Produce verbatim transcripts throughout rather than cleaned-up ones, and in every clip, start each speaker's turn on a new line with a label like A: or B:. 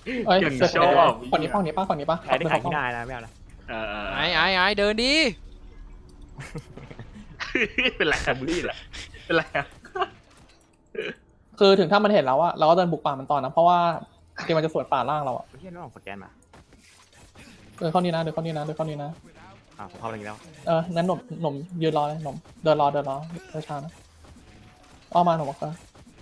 A: เอ้ย
B: อย่าง
A: เสือ
B: ชอบ
A: ฝั่งนี้ฝั่งนี้ป่ะฝั่งนี้ป่ะ
C: ใครได้ขายที่ได้นะไม่เอาละ
B: เออ
D: ไอ้ไอ้ไอ้เดินดิ
B: เป็นไรครับบุรี่เหรอเป็นไรอะ
A: คือถึงถ้ามันเห็นแล้วอะเราก็เดินบุกป่ามันต่อนะเพราะว่าเกมมันจะสวนป่าล่างเราอะ
C: เฮียน้องสแกนมา
A: เดินเข้านี้นะเดินเข้านี้นะเดินเข้านี้นะ
C: อ่าผมเข้าไปแล้ว
A: เออนั้นหนุ่มหนุ่มยืนรอเลยหนุ่มเดินรอเดินรอเดินช้านะอ้อมาหนุ่มบอกว่า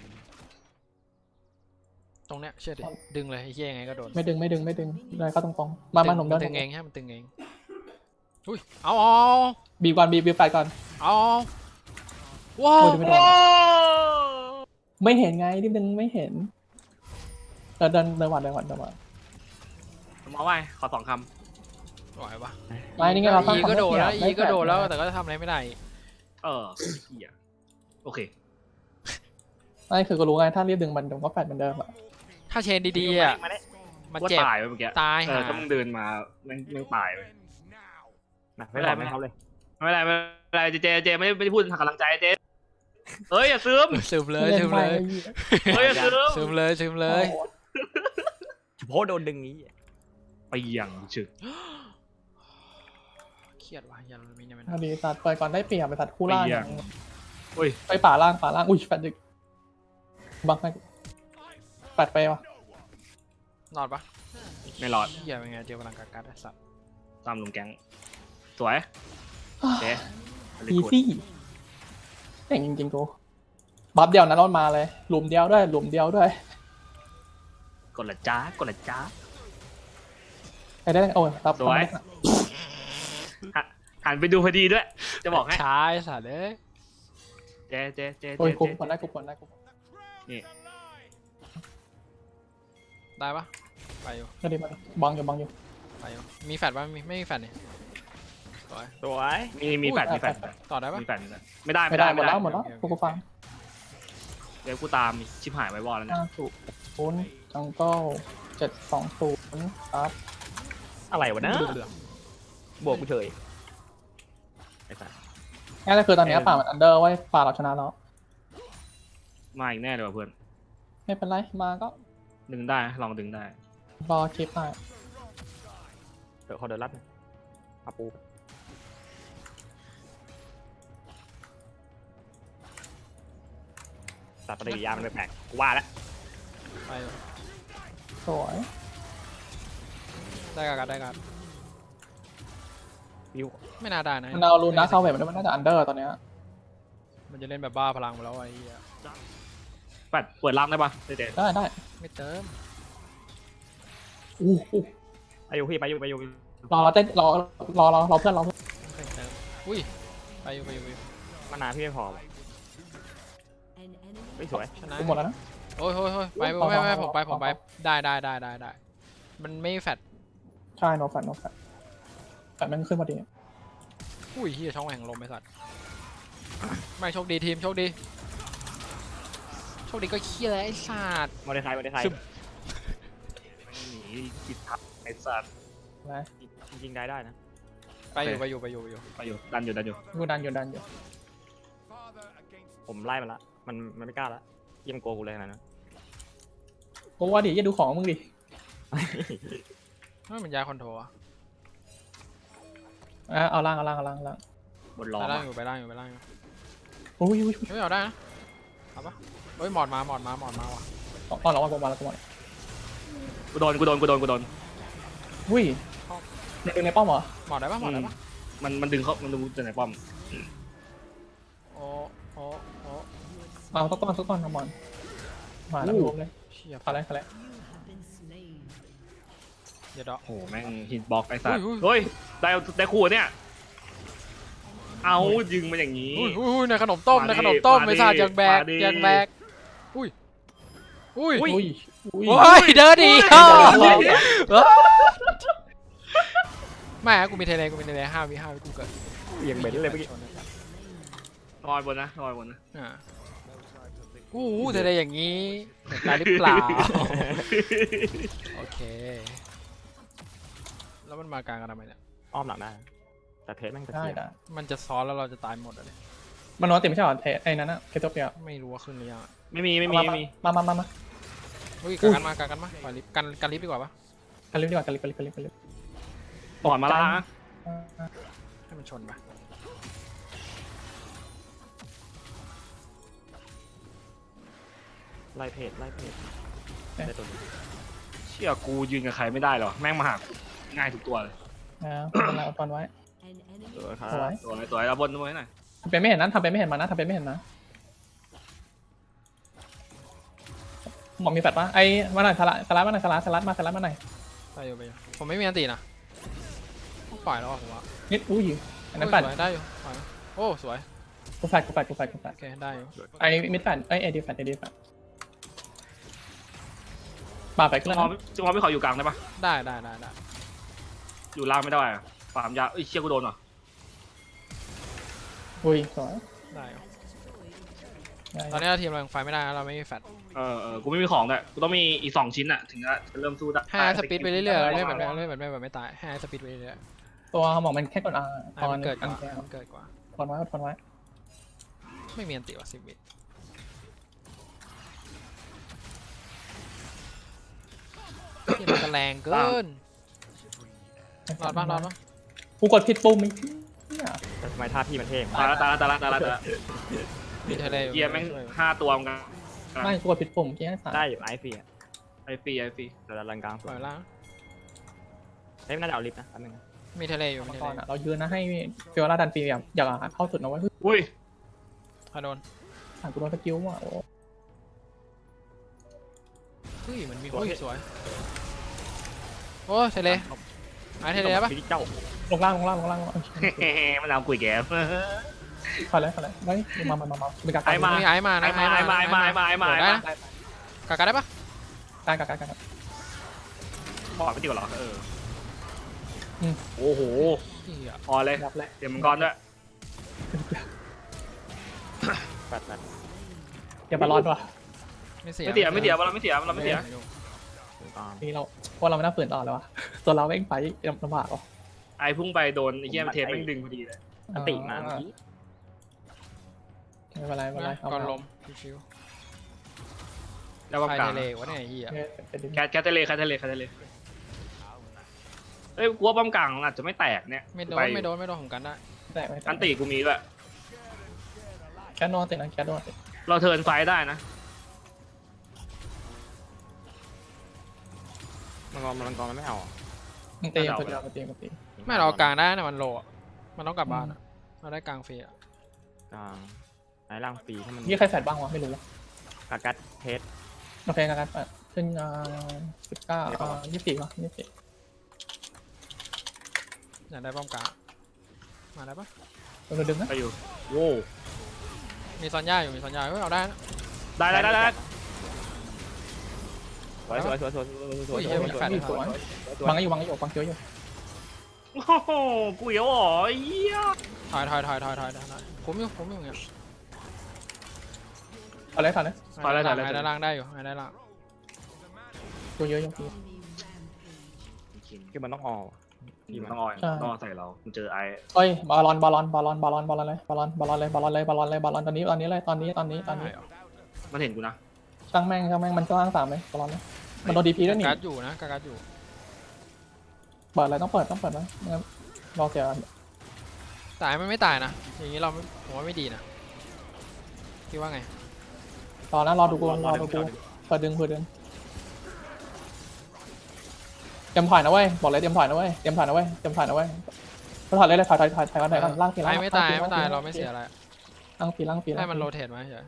D: ตรงเนี้ยเชื่อดิดึงเลยไอ้เหี้ยยังไงก็โดน
A: ไม่ดึงไม่ดึงไม่ดึงเดินเข้าตรงๆมามาหนุ่มเดิน
D: ตึงเองใช่มันตึงเองอุ้ยเอาเอา
A: บีบก่อนบีบบีบไฟก่อน
D: เอาว้าว
A: ไม่โดนไม่เห็นไงนิดนึงไม่เห็นเดินเดินเดินหวัดเดินหวัดเดินหวัด
B: มาไว้ขอสองค
D: ไหวปะ
A: ไม่นี่ไงเราตั้ง
D: อี
A: ความ
D: ก็โดดแล้ว
A: ได้
D: อีก็โดดแล้ว
A: ได้
D: แต่ก็ทำอะไรไม่ได้
B: ำเออเหี้ยโอเค
A: ไม่คือก็รู้ไงถ้ารีบดึงมันเดี๋ยวก็แฟดเหมือนเดิมอะ
D: ถ้าเชนดีๆอ่ะ
C: มาได้
D: มัน
B: ว่า
D: เจ็บ
B: ตายไปเมื่อกี้
D: ตาย
B: เออ
D: หา
B: ถ้ามึงเดินมาแม่งแม่งตายไป
C: นะไม่ได้ไม่เขาเลย
B: ไม่เป็นไรไม่เป็นไรเจเจเจไม่ได้ไม่ได้พูดทางกำลังใจเจเอ้ยอย่าซึม
D: ซึมเลยซึมเลย
B: เฮ้ยอย่าซึม
D: ซึมเลยซึมเลย
C: เฉพาะโดนดึงนี้
B: ไปอย่างฉึก
D: เครียดว่ะยันมีเนี่ยมัน
A: พอดีตัดเปิดก่อนได้เปรียบไปตัดคู่ล่าง
B: เปรียบ อุ้ย
A: ไปป่าล่างป่าล่างอุ้ยแฟดดึกบังไปแฟดไปวะ
D: รอดปะ
B: ไม่รอด
D: เหี้ยเป็นไงเจอพลังกากัดไอ้สัตว์
B: ตามลุงแก๊งสวยเจ๊
A: อีซี่เก่งจริงๆกูบัฟเดียวนะรถมาเลยหลุมเดียวด้วยหลุมเดียวด้วย
B: กดละจ้ากดละจ้า
A: ไปได้โอ้ยรับ
B: สวย หันไปดูพอดีด้วย จะบอกให้
D: ช้าไอ้สัตว์เอ้ย
B: เจ๊เจ๊เจ๊
A: โอ้ย
B: เจ๊
A: กูกดได้กูกดได้กู
D: ได้ปะไปอยู่
A: ก็ดีมาบังอยู่บังอยู่
D: ไปอยู่มีแฟดปะมีไม่มีแฟดเนี่ยสวย
C: สวย
B: มีมีแฟดมีแฟด
D: ต่อได้ปะ
B: มีแฟดไม่ได้
A: ไม่
B: ไม่
A: ได้
B: ได้
A: หมดแล้วหมดแล้วกูกูฟัง
B: เดี๋ยวกูตามชิบหายไว้วอลแล้วนะ
A: ห้าศูนย์ศูนย์จังเกิลเจ็ดสองศูนย์ครับ
C: อะไรวะนะ
D: เหลือง
C: บวกกูเฉยไอ้สัส
A: งั้นก็คือตอนนี้ป่ามันอันเดอร์ไว้ป่าเราชนะแล้ว
B: มาอีกแน่เลยว่ะเพื่อน
A: ไม่เป็นไรมาก็
B: ดึงได้ลองดึงได้
A: รอคลิปได้
C: เดี๋ยวเขาเดินรัดนะอาปูสัตว์ปฏิกิริยามันแปลกๆกูว่าแล้ว
D: ไปอยู่
A: สวย
D: ได้กากัดได้กัด
C: วิว
D: ไม่น่าได้นะ
A: มันเอาลูน่าเข้าเวทมันมันน่าจะอันเดอร์ตอนเนี้ย
D: มันจะเล่นแบบบ้าพลังไปแล้วไอ้เหี้ย
B: แฟดเปิดล่างได้ปะเจ๊เจ๊
A: ได้ได้
D: ไม่เติม
A: อู้หู
C: ไปอยู่พี่ไปอยู่ไปอยู่
A: รอเต้นรอรอรอรอเพื่อนรอเพื่อน
D: ไม่เติมอุ้ยไปอยู่ไปอยู่ไปอยู่
C: มานานพี่ไม่พอไม่สวย
D: ชนะ
A: กูหมดแล้วนะ
D: โอ้ยโอ้ยโอ้ยไปไปไปผมไปผมไปได้ได้ได้ได้ได้มันไม่แฟด
A: ใช่โนแฟนโนแฟนแต่มันขึ้นพอดี
D: อุ้ยเฮียช่องแห่งลมไอ้สัตว์ไม่โชคดีทีมโชคดีโชคดีก็เคี้ยแล้วไอ้สัตว์
C: มอเตอร์ไซค์มอเตอร์ไซค์
B: หนีกิดทับไอ้สัตว์
A: นะ
C: จริงๆได้ได้นะ
D: ไปอยู่ไปอยู่ไปอยู่ไปอยู่
B: ไปอยู่ดันอยู่ดันอยู่
A: กูดันอยู่ดันอยู่
C: ผมไล่มันละมันมันไม่กล้าละเยี่ยมโกกูเลยขนาดนั้น
A: กูว่าดิอย่าดูของมึงดิ
D: ไม่มันยาคอนโทรลอะ
A: อ่ะเอาล่างเอาล่างเอาล่างเอาล่าง
B: บนล้อ
D: ไป
B: ม
D: ล่างอยู่ไปล่างอยู่ไปล่างอยู่
A: โอ้ยอุ้ย
D: ไม่เอาได้นะเอาปะเฮ้ยหมอดมาหมอดมาหมอดมาว่ะ
A: ตอนเราวันประมาณละประมาณ
B: กูโดนกูโดนกูโดนกูโดน
A: อุ้ยในในป้อมเหรอ
D: หมอดได้ปะหมอดได้ปะ
B: มันมันดึงเขามันดึงจากไหนป้อม
D: โอ้โอ้โอ้
A: เอาสักก้อนสักก้อนประมาณมาแล้วรวมเลย
D: เชี่ย
A: อะไรอะไร
D: เดี๋ยวดอก
B: โอ้แม่งฮิตบ็อกไอ้สัตว์
D: อุ้ย
B: เฮ้ยได้ได้คู่เนี่ยเอายิงมาอย่างนี้
D: อุ้ยอุ้ยในขนมต้ม
B: มาดิ
D: ในขนมต้ม
B: มาดิ
D: ไม่ทราบยังแบก
B: มาดิ
D: ยังแบกอุ้ยอุ้ย
A: อุ้ยอุ้ย
D: โอ้ยเดินดี
A: เดินดี
D: แม่กูมีเทเลกูมีเทเลห้าวิห้าวิกูเกิด
C: เยี่ยงเบนเลยเมื่อกี้
B: ลอยบนนะลอยบนนะ
D: อ่าอู้หูเทเลอย่างนี้เห็นตายหรือเปล่าโอเคแล้วมันมากลางกันทำไมเนี่ย
C: อ้อมหลังได้นะแต่เทสแม่งตะ
A: ได้
C: เกียบ
A: ได้
D: มันจะซ้อนแล้วเราจะตายหมดเลย
A: มันนอนติดไม่ใช่หรอเทไอ้นั้นอะเคโตเปีย
D: ไม่รู้ว่าขึ้นหรือยังอะ
B: ไม่มีไม่มีไม่มี
A: มามามามา
D: อุ้ยกันกันมากันกันมาปล่อยลิฟต์กันกันลิฟต์ดีกว่าปะ
A: กันลิฟต์ดีกว่ากันลิฟต์กันลิฟต์กันลิฟต์กันลิฟต์
B: ก่อนมาละนะ
D: ให้มันชนปะ
C: ไล่เพจไล่เพจได้ตัวนี้
B: เชี่ยกูยืนกับใครไม่ได้หรอแม่งมาหากูง่ายทุกตัวเลย
A: นะเป็นไรเอาตอนไว้
C: เออครับ
A: เอาไว้
B: ตัวไหนตัวไหนเอาบนตัวไหนหน่อย
A: ทำเป็นไม่เห็นนะทำเป็นไม่เห็นมานะทำเป็นไม่เห็นนะหมอมีแฟดปะไอ้มาหน่อยสลัดสลัดมาหน่อยสลัดสลัดมาสลัดมาหน่อย
D: ไปอยู่ไปอยู่ผมไม่มีอันตีนะปล่อยแล้วอะผมว่า
A: นิดอุ้ยอันนั้น
D: โอ้
A: แฟ
D: ย
A: ด
D: สวยได้อยู่ปล่อยนะโอ้สวย
A: กูแฟดกูแฟดกูแฟดกูแฟด
D: โอเคได้อยู่
A: ไอ้มิดแฟดไอ้เอดีแฟดเอดีแฟดป่าไป
B: จั
A: ขึ้
B: ง
A: น
B: หวะ
A: แล้ว
B: จังหวะไม่ขออยู่กลางได้ปะ
D: ได้ได้ได้ได้
B: อยู่ล่างไม่ได้อะฟาร์มยาเอ้ยเชี่ยกูโดนเหรอ
A: อุ้ยสวย
D: ได้อยู่
A: ได้
D: ตอนนี้เราทีมเรายังไฟไม่ได้นะเราไม่มีแฟต
B: เออเออกูไม่มีของด้วยกูต้องมีอีกสองชิ้นอะถึงจะเริ่มสู้ได้
D: ให้สปีดไปเรื่อยๆเล่นแบบเล่นแบบไม่แบบไม่ตายให้สปีดไปเรื่อย
A: ตัวหมอมันแค่กดอา
D: ๆ
A: ต
D: ให้
A: อน
D: มันเกิดก
A: อัน
D: ว่า
A: แก้ว
D: มันเกิดกว่า
A: ทนไว้ทนไว้
D: ไม่มีอันติว่ะสิบวิที่มันจะแรงเกินรอดปะรอดปะ
A: กูกดผิดปุ่มอีกเนี่ย
C: แต่ทำไมท่าพี่มันเท่
B: ตายละตายละตายละตายละตายละ
D: มีทะเลอยู่
B: เยียแม่งห้าตัวเหมือนกัน
A: ไม่กูกดผิดปุ่มที่ให้สาม
C: ได้อยู่ไอฟีอ่ะ
B: ไอฟรีไอฟรี
C: แต่ละลังกลางส
D: ป
C: ว
D: ล่อย ยล่าง
C: เฮ้ยน่าจะเอาลิฟต์นะแป๊บนึงนะ
D: มีทะเลอยู่มีทะ
A: ก่
D: เล
A: อนอะเรายืนนะให้ฟิโอลาดันปีอยากอยากเข้าสุดนะเว้ย
B: อุ้ย
D: ถ้าโดน
A: อ่ะกูโดนสกิลว่ะโอ้
D: เฮ้ยมันมีโอ้ยสวยโอ้ทะเลหายทะเลปะ
C: พี่เจ้า
A: ลงล่างลงล่างลงล่างลงล่าง
B: มันเอากุยแกม
A: พอแล้วพอแล้วได้มามามามาเป็นการ
B: ไอ้มา
D: มีไอ้มานะ
B: ไอ้มาไอ้มาไอ้มาไอ้มาไอ้มา
D: โดด
B: ไอ้
D: ได้
B: มา
D: นะกากาได้ปะ
A: การการการการ
B: บอดไม่ดีกว่าหรอเออ
A: อืม
B: โอ้โห
D: เหี้ย
B: พอเลย
A: รับแล้ว
B: เตรียมมังกรด้วย
C: แปดแปด
A: อย่าบาลอนว่ะ
D: ไม่เสีย
B: ไม่เสียไม่เสียเราไม่เสียเราไม่เสีย
C: ถึงตาม
A: นี่เราว่าเราไม่น่าฝืนต่อแล้ววะตัวเราเองไปลำบากว่ะ
B: ไอ้พุ่งไปโดนไอ้เหี้ยเทปแม่งดึงพอดีเลย
C: อันติมาเมื่อกี้
A: ไม่เป็นไรไม่เป็นไรเอา
D: ก่อน
A: มา
D: ลมชิว
B: แล้ว
D: ๆ
B: ก็
D: ใคร
B: กลาง
D: ทะเลวะเนี่ยไอ้เหี้ย
B: แคทแคทเทเลแคทเทเลแคทเทเลเอ้ยกูว่าป้อมกลางอาจจะไม่แตกเนี่ย
D: ไม่โดน
B: ไป
D: ไม่โดนไม่โดนของกันได้
A: แต่ไม่
B: อันตีกูมีด้วย
A: แค่นอนติดนะแค่นอนติด
B: เราเทิร์นไฟได้นะ
C: มังกรมังกรมันไม่เอาอ่ะ
A: มันตีมันตีมันตีมันตี
D: ไม่เราเอากลางได้นะมันโลอะมันต้องกลับบ้านอะเราได้กลางฟรีอะ
C: กลางไหนล่างฟรีให้มัน
A: นี่ใครแฟดบ้างวะไม่รู้วะ
C: กากัดเพชร
A: โอเคกันกันขึ้นอ่าสิบเก้าอ่ายี่สิบสี่วะยี่สิบสี่
D: อยากได้ป้อมกลางมาได้ปะ
A: เราดึงนะ
B: ไปอยู่โว้
D: มีซอนย่าอยู่มีซอนย่าเฮ้ยเอาได้นะ
B: ได้ได้ได้ได้
C: สวยสวยสวยสวยสวยสวยสวยสวยสวย
A: สวยบังอยู่บังอยู่บังเยอะอยู่
B: โอ้โหกูเหี้ยวอ๋อไอ้เหี้ย
D: ถอยถอยถอยถอยถอยถอยถอยผมอยู่ผมอยู่อย่างเงี้ย
A: เอาเลยเอาเลย
B: ถอยแล้วถอยแล้ว
D: หายได้ล่างได้อยู่หายได้ล่าง
A: ตัวเยอะอยู่
C: คือมันต้องออกพี่มัน
B: ต้องออยต้องออยใส่เรามันเจอไอ้
A: เอ้ยบอลลอนบอลลอนบอลลอนบอลลอนบอลลอนเลยบอลลอนบอลลอนเลยบอลลอนเลยบอลลอนเลยบอลลอนตอนนี้ตอนนี้เลยตอนนี้ตอนนี้ตอนนี้
D: ได้เหรอ
B: มันเห็นกูนะ
A: ช่างแม่งช่างแม่งมันก็ล่างสามเลยบอลลอนเลยมันโดนดีพีด้วยนี่
D: กากัดอยู่นะกากัดอยู่
A: เปิดอะไรต้องเปิดต้องเปิดนะงั้นรอเสีย
D: ตายไม่ไม่ตายนะอย่างนี้เราไม่ผมว่าไม่ดีนะคิดว่าไง
A: รอนะรอดูกูรอดูกูเปิดดึงเปิดดึงเตรียมถอยนะเว้ยบอกเลยเตรียมถอยนะเว้ยเตรียมถอยนะเว้ยเตรียมถอยนะเว้ยถอยเลยเลยถอยถอยถอยถอยก่อนถอยก่อนล่างทีล่าง
D: ตายไม่ตายไม่ตายเราไม่เสียอะไร
A: ล่างทีล่างที
D: ให้มันโรเทตมาเฉย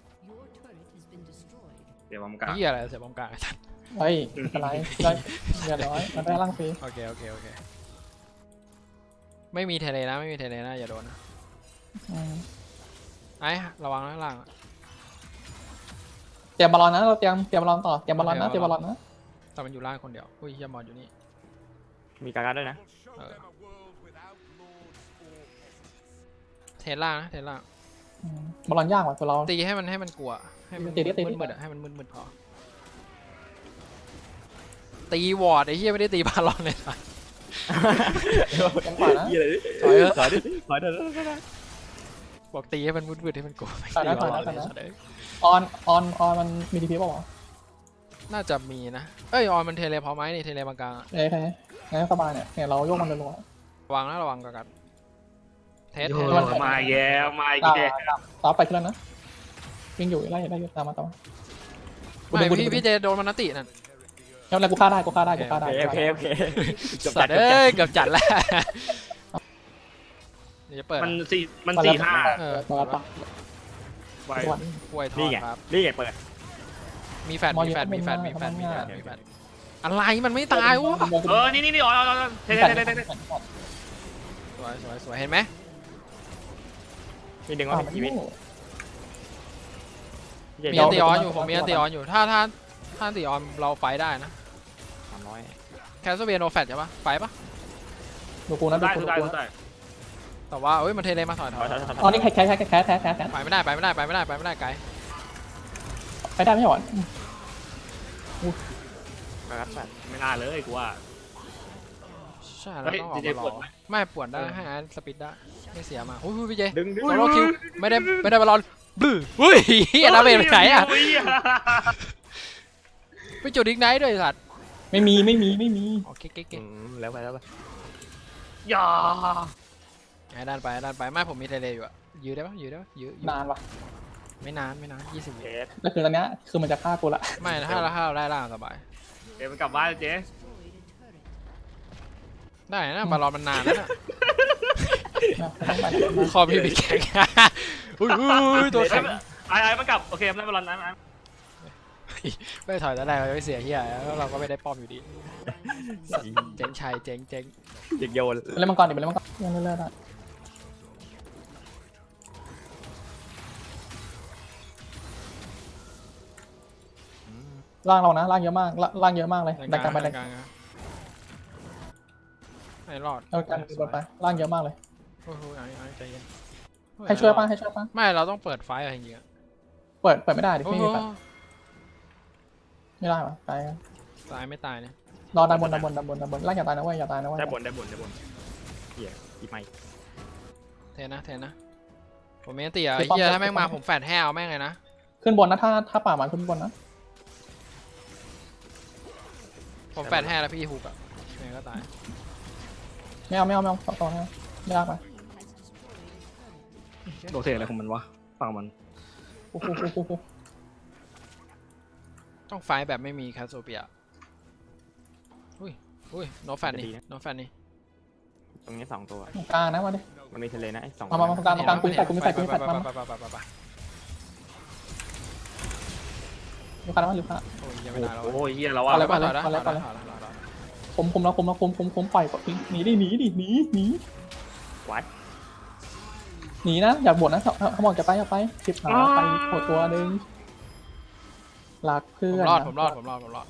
B: เดี๋ยวมันกลาง
D: เหี้ยอะไรเสียป้อมกลาง
A: เฮ้ยอะไรได้เรียบร้อยมันได้ล่างที
D: โอเคโอเคโอเคไม่มีเทเลนะไม่มีเทเลนะอย่าโดนนะ
A: อืม
D: ไอ้ระวังนะล่าง
A: เตรียมบอลลอนนะเราเตรียมเตรียมบอลลอนต่อเตรียมบอลลอนนะเตรียมบอลลอนนะ
D: แต่มันอยู่ล่างคนเดียวอุ้ยเฮียมอนอยู่นี่
C: มีกากัดด้วยนะ
D: เออเทล่างนะเทล่าง
A: อืมบอลลอนยากกว่าตัวเรา
D: ตีให้มันให้มันกลัวให้มัน
A: ตีดิตีดิ
D: มืดๆอะให้มันมืดๆพอตีวอร์ดไอ้เฮียไม่ได้ตีบาลอนเลยนะ
A: ยังกว่านะ
C: ยี่อะไรดิ
D: ถอยเถอะ
C: ถอยดิถอยเถอะ
D: บอกตีให้มันมืดๆให้มันกลัวไม่
A: ถอยนะ
D: ตี
A: ถอย
D: บา
A: นะ
D: ล
A: ถ
D: อ
A: อน ย
D: เลย
A: นะออนออนออนมันมีดีพีป่าวะ
D: น่าจะมีนะเอ้ยออนมันเทเลพอไหมนี่เทเลบางกลางอะ
A: เอ้ยใครงั้นสบายเนี่ยเนี่ยเราโยกมันรัว
D: ระวังนะระวังกันกันเทส
B: โย
D: เทส
B: มาแย่มา
A: ๆตา
B: แย่
A: ตามตามไปขึ้นแล้วนะวิ่งอยู่ไล่ไล่ตามมาตามมากู
D: ไม่
A: ดูกูดู
D: พี่พี่เจโดนมันนตินั่น
A: แล้วอะไรกูฆ่าได้กูฆ่าได้กูฆ่าได้
C: โอเคโอเคโอเคจบ
D: สั
C: จั
D: ต
C: ด
D: ว์
C: จบ
D: เอ้
C: จั
D: ย
C: ด
D: เกือบจัดแล้วเดี๋ยวจะเปิด
B: มันสี่มันสี่ห้า
D: เออ
A: มาปัก
B: ไว้
A: วัน
D: ป่วยทอ
C: นี่
D: ด
C: ไง
D: ครับ
C: นี่ไงเปิด
D: มีแฟด
A: มอ
D: มี
A: เยอะ
D: แฟดมีแฟด
A: ไม่
D: มีแฟด
A: ไม่
D: มีแฟด
A: ไม่
D: มีแฟดอะไรมันไม่ตายวะ
B: เออนี่นี่นี่อ๋ออ๋ออ๋อเท่เท่เท่เท่เท่
D: สวยสวยสวยเห็นไหม
C: มีดึงว่ามีชีวิต
D: มีอันตีออนอยู่ผมมีอันตีออนอยู่ถ้าถ้าถ้าอันตีออนเราไฟได้นะ
C: สามร้อย
D: แคสเบียโนแฟดใช่ปะไฟปะ
A: ดูกูนะดู
B: ได้
A: กู
B: ทุ
A: ดู
B: กได้
A: กู
B: ทุกได้
D: แต่ว่าเอ้ยมันเทเลมาถอยถ
C: ถ
D: อ
C: อย ยถอยถอย
A: อ๋อนี่แคสแคสแคสแคสแคสแคสแคส
D: ไปไม่ได้ไปไม่ได้ไปไม่ได้ไปไม่ได้ไกล
A: ไปได้ไม่หรอ
C: ครับสัตว์
B: ไม่น่าเลยกูว่า
D: ใช่แล้วต้องออก
B: เฮ้ย
D: มาร
B: ปว
D: อ
B: ดไหม
D: ไม่ปวดได้ให้อาร์ตสปิดได้ไม่เสียมาอุ้ยพี่เจ
C: ดึงดึง
D: โซโลคิวไม่ได้ไม่ได้บอลลอนบื้ออุ้ยเฮียนาเบลไปไหนอ่ะไปจุดดิกไนท์ด้วยสัตว์
A: ไม่มีไม่มีไม่มี
D: โอเคเก๊ก
C: อืมแล้วไปแล้วไป
B: อย่า
D: ไอ้ด้านไปด้านไปไม่ผมมีเทเลอยู่อะยื้อได้ปะยื้อได้ปะยื้อยื้อน
A: านว่ะ
D: ไม่นานไม่นานยี่สิบวิ
C: เทส
A: แล้วคือตอนเนี้ยคือมันจะฆ่ากูละ
D: ไม่ถ้าเราถ้าเราได้ล่างสบาย
B: เดี๋ยวมันกลับบ้านเจ๊
D: ได้นะบอลลอนมันนานแล้วนะ
A: ต้องไป
D: คอพี่บิ๊กแข็งอุ้ยอุ้ยตัวแข็ง
B: ไอ้ไอ้มันกลับโอเคมันได้บอลนั้นนะ
D: ไม่ถอยแต่แรกเราไม่เสียเฮียแล้วเราก็ไม่ได้ป้อมอยู่ดีเจ๊งชัยเจ๊งเจ๊ง
C: ยิงโยน
A: ไปเล่นมังกรดิไปเล่นมังกรยังเล่นได้ล่างเรานะล่างเยอะมากล่างเยอะมากเลยดันกันไปดัน
D: กลางไอ้รอด
A: เอากันบนไปล่างเยอะมากเลย
D: โอ้โหไอ้ไอ้ใจเย็น
A: ให้ช่วยป่ะให้ช่วยป่ะ
D: ไม่เราต้องเปิดไฟอะไรอย่างเงี้ย
A: เปิดเปิดไม่ได้ดิ
D: โอ้
A: ไม่
D: โห
A: มีไฟไม่ได้ป่ะตาย
D: ตายไม่ตายเนี่ย
A: รอดันบนดันบนดันบนดันบนล่างอย่าตายนะเว้ยอย่าตายนะเว้ย
C: ได้บนได้บนได้บนเหี้ยอีไม่
D: เทนะเทนะผมไม่ตีอ่ะเฮียถ้าแม่งมาผมแฟดแห้วแม่งเลยนะ
A: ขึ้นบนนะถ้าถ้าป่ามันขึ้นบนนะ
D: ผมแฟดแห้แล้วพี่ฮุกอ่ะยังไงก็ตาย
A: ไม่เอาไม่เอาไม่เอาต่อต่อนะไม่ยากไป
B: โดเทอะไรของมันวะฟังมัน
A: โอ้โหโอ้โหโอ้โห
D: ต้องไฟแบบไม่มีคาโซเปียอุ้ยอุ้ยโนแฟดนี่โนแฟดนี่
C: ตรงนี้สองตัว
A: กลางนะมาดิ
C: มันมีทะเลนะไอ้สอง
A: มามามาตรงกลางตรงกลางกูมีแฟดกูมีแฟดกูมีแฟดมามาอยู่กันมาอยู่กัน
D: โอ้ยยังไม่ได้แล้ว
B: โอ้ยเฮียแล้วว่า
A: อะไร
D: ไป
A: วะ
D: แล้ว
A: อะไร
D: ไป
A: วะ
D: แล้ว
A: อะไร
D: ไปแล้ว
A: คมคมแล้วคมแล้วคมคมคมปล่อยก่อนหนีดิหนีดิหนีหนี
C: วัด
A: หนีนะอย่าบ่นนะเขาบอกจะไปอย่าไปสิบหาไปหดตัวหนึ่งหลักเพื่
D: ผม
A: อน
D: รอดผมรอดผมรอดผมรอด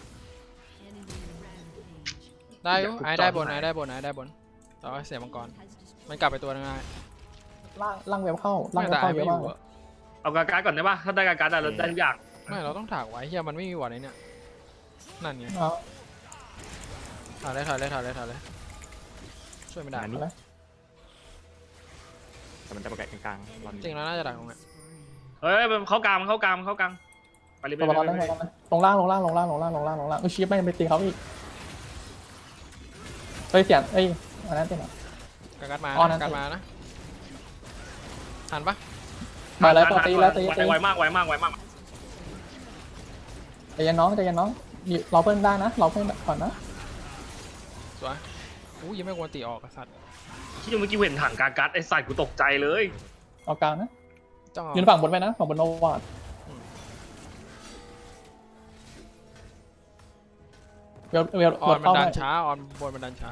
D: ได้อยู่ไอ้ได้บนไอ้ได้บนไอ้ได้บนแต่ว่าเสียมังกรมันกลับไปตัวนึงไง
A: ล่างล่างเวลเข้าล่าง
D: ไม่
A: เวล
D: แต่
A: เข้า
D: ไอ้
A: เย
D: ไม่
A: อะ
D: อ
A: มาก
D: ยู่อะ
B: เอากาการ์ดก่อนได้ป่ะถ้าได้กาการ์ดได้เราได้ทุกอย่าง
D: ไม่เราต้องถากไว้เฮียมันไม่มีวอร์ดไอ้เนี่ยนั่นไง
A: เอา
D: ถอยเลยถอยเลยถอยเลยถอยเลยช่วยไม่ได้
C: อันนี้แต่มันจะประกาศกลางๆรอน
D: จริงแล้วน่าจะดักตรงนี้
B: เฮ้ยมันเข้ากลางมันเข้ากลางมันเข้ากลางไปเลยไป
A: ตัว
B: เล
A: บอล
B: ย
A: ได้ลงล่างลงล่างลงล่างลงล่างลงล่างลงล่างเอ้ยชีฟไม่ไปตีเขาอีกเฮ้ยเสียงเอ้ยอันนั้นเสียง
D: กากัดมา
A: อ๋อนั่น
D: กัดมานะทันปะ
A: มาแล้วตัวตีแล้วตีตี
B: ไวมากไวมากไวมาก
A: ใจเย็นน้องใจเย็นน้องเราเพื่อนได้นะเราเพื่อนก่อนนะ
D: สวยอู้ยังไม่ควรตีออกกษัตริย์
B: ที่เมื่อกี้เห็นถังกาการ์ดไอ้สัตว์กูตกใจเลย
A: เอากลางนะ
D: จ้องเอา
A: ยืนฝั่งบนไปนะฝั่งบนโนวาดเวลเวล
D: ออนมัน
A: เข้า
D: ดั
A: ได้
D: นช้าออนบนมันดันช้า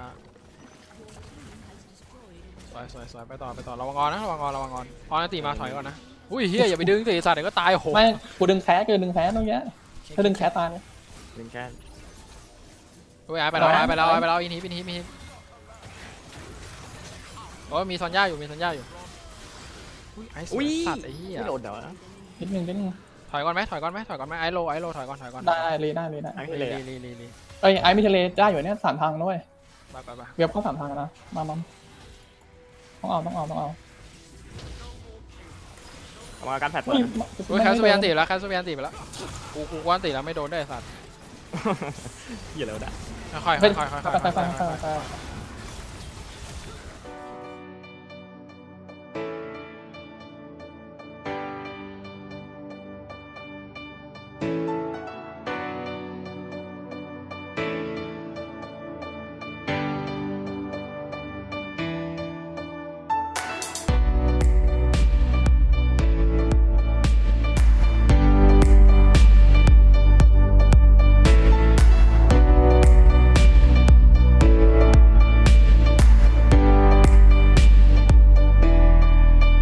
D: สวยสวยสวยไปต่อไปต่อระวังออนนะระวังออนระวังออนออนตีมาถอยก่อนนะอุ้ยเฮียอย่าไปดึงตีสัตว์เดี๋ยวก็ตายโห
A: ไม่กูดึงแค้กูดึงแค้ตรงเนี้ยถ้าดึงแค้ตายเลย
C: ดึงแค่
D: อุ้ยไอ้ไปแล้วไอ้ไปแล้วไอ้ไปแล้วอินฮิปอินฮิปอินฮิปโอ้ยมีซอนย่าอยู่มีซอนย่าอยู่อุ้ยไอ้สวยสัตว์ไอ้เหี้ย
C: ไม่โดนเดี๋ยว
A: นิดนึงนิดนึง
D: ถอยก่อนไหมถอยก่อนไหมถอยก่อนไหมไอ้โลไอ้โลถอยก่อนถอยก่อน
A: ได้เลยได้เลยได้
C: ไอ้
D: ลี
C: ทะเล
D: ลีลีลี
A: เอ้ยไอ้มิเทเลได้อยู่เนี่ยสามทางด้วย
D: ไปไปไป
A: เว็บเข้าสามทางนะมามาต้องเอาต้องเอาต้องเอา
C: เอามาการแผดเปิด
A: อุ้ย
D: อุ้ยแคสเบียนตีแล้วแคสเบียนตีไปแล้วกูกูกวนตีแล้วไม่โดนได้สัตว์
C: เหี้ยแล้วะเนี่ย
D: ค่อยๆค่อยๆค่อยๆค่อยๆ
A: ไปไปไป
D: ค่อยๆ
A: ไปไป